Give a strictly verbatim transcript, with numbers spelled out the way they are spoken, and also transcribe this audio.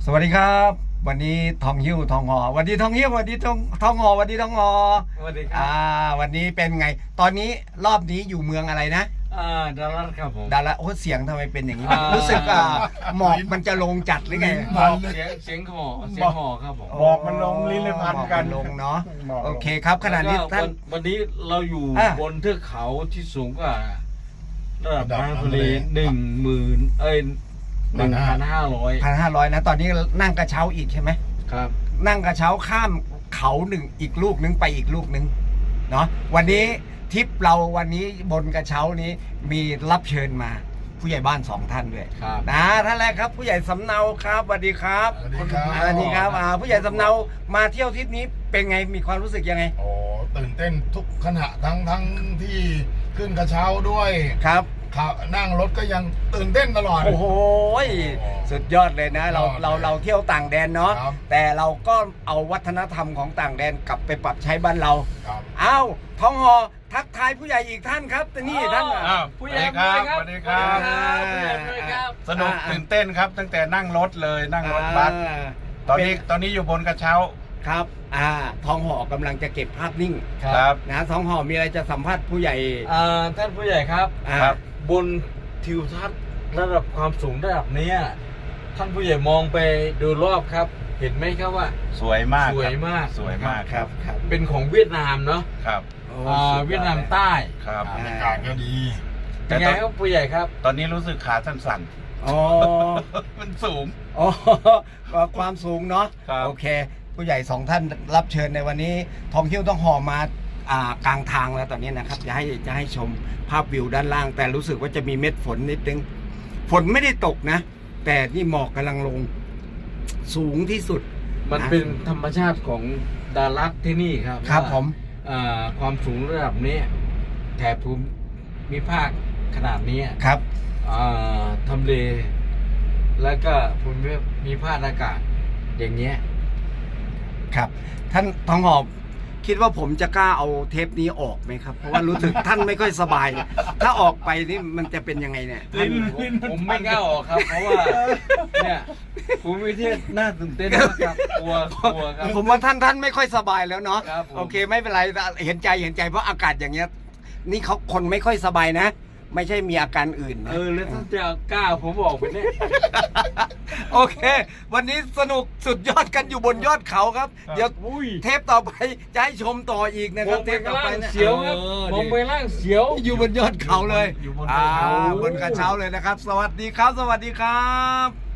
สวัสดีครับวันนี้ทองหิ้วทองหอวันนี้ทองหิ้ววันนี้ทองทองหอวันนี้ทองหอสวัสดีครัอ่าบวันนี้เป็นไง ตอนนี้รอบนี้อยู่เมืองอะไรนะอ่าดารัสครับผมดาราโอ้เสียงทำไมเป็นอย่างนี้อ่ารู้รู้สึกอ่าหมอกมันจะลงจัดหรือไงหมอกเสียงเสียงหอเสียงหอครับผมบอกมันลงลิ้นเลยพันกันหมอลงเนาะบอกโอเคครับขณะนี้แล้วก็ท่านวันวันนี้เราอยู่อ่ะบนเทือกเขาที่สูงกว่าระดับระดับน้ำทะเลทะเลหนึ่งหมื่นเอ้ยหนึ่งพันห้าร้อยพันห้าร้อยนะตอนนี้นั่งกระเช้าอีกใช่ไหมครับนั่งกระเช้าข้ามเขาหนึ่งอีกลูกนึงไปอีกลูกนึงเนาะวันนี้ทริปเราวันนี้บนกระเช้านี้มีรับเชิญมาผู้ใหญ่บ้านสองท่านด้วยครับนะท่านแรกครับผู้ใหญ่สำเนาครับสวัสดีครับสวัสดีครับอ่าสวัสดีครับอ่าผู้ใหญ่สำเนามาเที่ยวทริปนี้เป็นไงมีความรู้สึกยังไงโอ้ตื่นเต้นทุกขณะทั้งทั้งที่ขึ้นกระเช้าด้วยครับขับนั่งรถก็ยังตื่นเต้นตลอดโอ้โหสุดยอดเลยนะ เรายอดเลยเราเราเที่ยวต่างแดนเนาะครับแต่เราก็เอาวัฒนธรรมของต่างแดนกลับไปปรับใช้บ้านเราครับอ้าวท้องหอทักทายผู้ใหญ่อีกท่านครับแต่นี่ท่านอ่ะอ้าวผู้ใหญ่สวัสดีครับสวัสดีครับสวัสดีครับผู้ใหญ่ครับสนุกอ่าตื่นเต้นครับ ตั้งแต่นั่งรถเลยนั่งรถบัสอ่าตอนนี้เป็นตอนนี้อยู่บนกระเช้าครับ อ่าทองหอกำลังจะเก็บภาพนิ่งครับนะทองหอมีอะไรจะสัมภาษณ์ผู้ใหญ่อ่าท่านผู้ใหญ่ครับอ่าครับบนทิวทัศน์ระดับความสูงระดับเนี้ยท่านผู้ใหญ่มองไปดูรอบครับ เห็นไหมครับว่าสวยมากสวยมากสวยมากครับครับเป็นของเวียดนามเนาะครับโอ้อ่าสุดอเวียดนามลใต้ครับบรรยากาศก็ดีเป็นไงครับผู้ใหญ่ครับตอนนี้รู้สึกขาสั่นอ๋อๆ มันสูงอ๋อก็ความสูงเนาะครับโอเค ผู้ใหญ่สองท่านรับเชิญในวันนี้ทองคิ้วต้องหอมาอ่ากลางทางแล้วตอนนี้นะครับจะให้จะให้ชมภาพวิวด้านล่าง แต่รู้สึกว่าจะมีเม็ดฝนนิดนึงฝนไม่ได้ตกนะ แต่นี่หมอกกำลังลงสูงที่สุดมันเป็นธรรมชาติของดารัสที่นี่ครับครับว่าผมอ่าความสูงระดับนี้แถบภูมิภาคขนาดนี้ครับอ่าทำเล แล้วก็ภูมิภาคอากาศ อย่างเงี้ยครับ ท่านทองหอบคิดว่าผมจะกล้าเอาเทปนี้ออกไหมครับ เพราะว่ารู้สึก ท่านไม่ค่อยสบาย ถ้าออกไปนี่มันจะเป็นยังไงเนี่ยท่านผมผมไม่กล้าออกครับ เพราะว่าเนี่ยภูมิประเทศน่าตื่นเต้นมากครับกลัวกลัวครับผมว่าท่านท่านไม่ค่อยสบายแล้วเนาะครับผมโอเคไม่เป็นไรเห็นใจเห็นใจเพราะอากาศอย่างเงี้ย นี่เขาคนไม่ค่อยสบายนะ ไม่ใช่มีอาการอื่นนะเออแล้วท่านจะกล้าผมออกไปเนี่ยโอเค วันนี้สนุกสุดยอดกันอยู่บนยอดเขาครับ เดี๋ยวอุ้ยเทปต่อไปจะให้ชมต่ออีกนะมครัอบ งเทไปปต่อล่าไปงนะเสียวครับเออมองไปล่างเสียวอยู่บนยอดเขาเลยอยู่บนอ่าเขาบนกระเช้าเลยนะครับ สวัสดีครับ สวัสดีครับ